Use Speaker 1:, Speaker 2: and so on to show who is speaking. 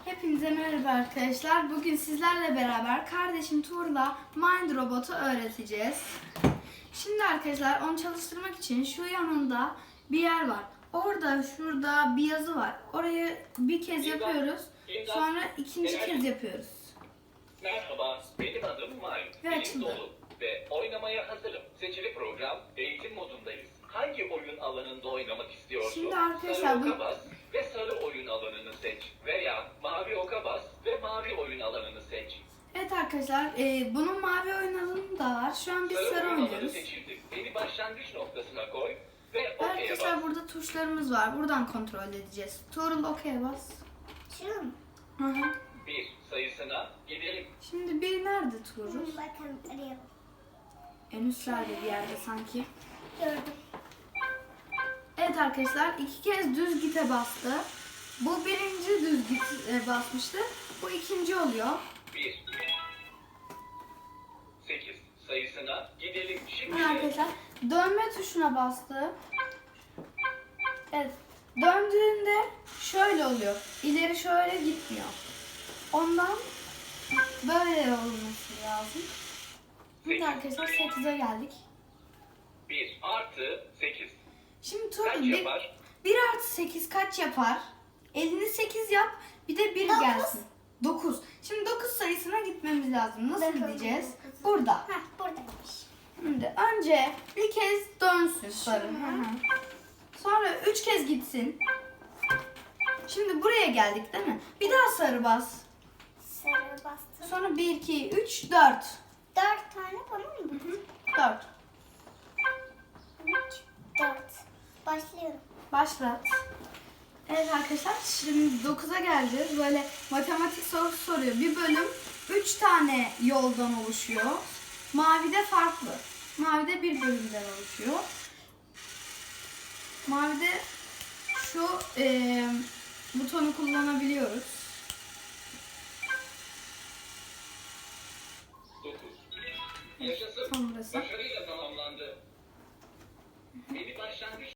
Speaker 1: Hepinize merhaba arkadaşlar. Bugün sizlerle beraber kardeşim Tuğrul'a Mind Robot'u öğreteceğiz. Şimdi arkadaşlar onu çalıştırmak için şu yanında bir yer var. Orada şurada bir yazı var. Orayı bir kez yapıyoruz. Sonra ikinci kez yapıyoruz.
Speaker 2: Merhaba, benim adım Mind.
Speaker 1: Evet,
Speaker 2: Bilim
Speaker 1: şimdi.
Speaker 2: dolu ve oynamaya hazırım. Seçili program, eğitim modundayız. Hangi oyun alanında oynamak istiyorsun?
Speaker 1: Şimdi arkadaşlar
Speaker 2: sarı
Speaker 1: bu-
Speaker 2: oka bas ve sarı oyun alanını seç. Veya mavi oka bas ve mavi oyun alanını seç.
Speaker 1: Evet arkadaşlar bunun mavi oyun alanı da var. Şu an biz sarı
Speaker 2: oyun alanı
Speaker 1: oynuyoruz.
Speaker 2: seçildi. Beni başlangıç noktasına koy ve
Speaker 1: Ve
Speaker 2: okey'e
Speaker 1: arkadaşlar
Speaker 2: bas.
Speaker 1: burada tuşlarımız var. Buradan kontrol edeceğiz. Tuğrul okey bas.
Speaker 3: Şunu mu?
Speaker 1: Hı hı.
Speaker 2: 1 sayısına gidelim.
Speaker 1: Şimdi bir nerede Tuğrul?
Speaker 3: Bakın araya
Speaker 1: En üstlerde bir yerde sanki.
Speaker 3: gördüm.
Speaker 1: Evet arkadaşlar iki kez düz gite bastı. Bu birinci düz git basmıştı. Bu ikinci oluyor.
Speaker 2: 1 8 sayısına gidelim. Şimdi
Speaker 1: Şimdi arkadaşlar dönme tuşuna bastı. Evet. Döndüğünde şöyle oluyor. İleri şöyle gitmiyor. Ondan böyle olması lazım. Şimdi arkadaşlar 8'e geldik.
Speaker 2: 1 artı 8
Speaker 1: Şimdi
Speaker 2: kaç
Speaker 1: Tuğrul
Speaker 2: yapar?
Speaker 1: 1 artı 8 kaç yapar? Elini 8 yap, bir de 1
Speaker 3: Dokuz.
Speaker 1: gelsin. 9. Şimdi 9 sayısına gitmemiz lazım. Nasıl
Speaker 3: Dokuz,
Speaker 1: gideceğiz?
Speaker 3: dokuz.
Speaker 1: Burada.
Speaker 3: Heh, buradaymış.
Speaker 1: Şimdi önce bir kez dönsün sarı. Hı hı. Sonra 3 kez gitsin. Şimdi buraya geldik değil mi? Bir daha sarı bas.
Speaker 3: Sarı bastım.
Speaker 1: Sonra 1, 2, 3, 4.
Speaker 3: 4 tane bana mı?
Speaker 1: 4.
Speaker 3: 3, 4. Başlıyorum.
Speaker 1: Başlat. Evet arkadaşlar şimdi 9'a geleceğiz. Böyle matematik sorusu soruyor. Bir bölüm 3 tane yoldan oluşuyor. Mavide farklı. Mavide bir bölümden oluşuyor. Mavide şu butonu kullanabiliyoruz.
Speaker 2: 9 Yaşasın.
Speaker 1: Tam burası.
Speaker 2: Başarıyla tamamlandı. Beni başlangıç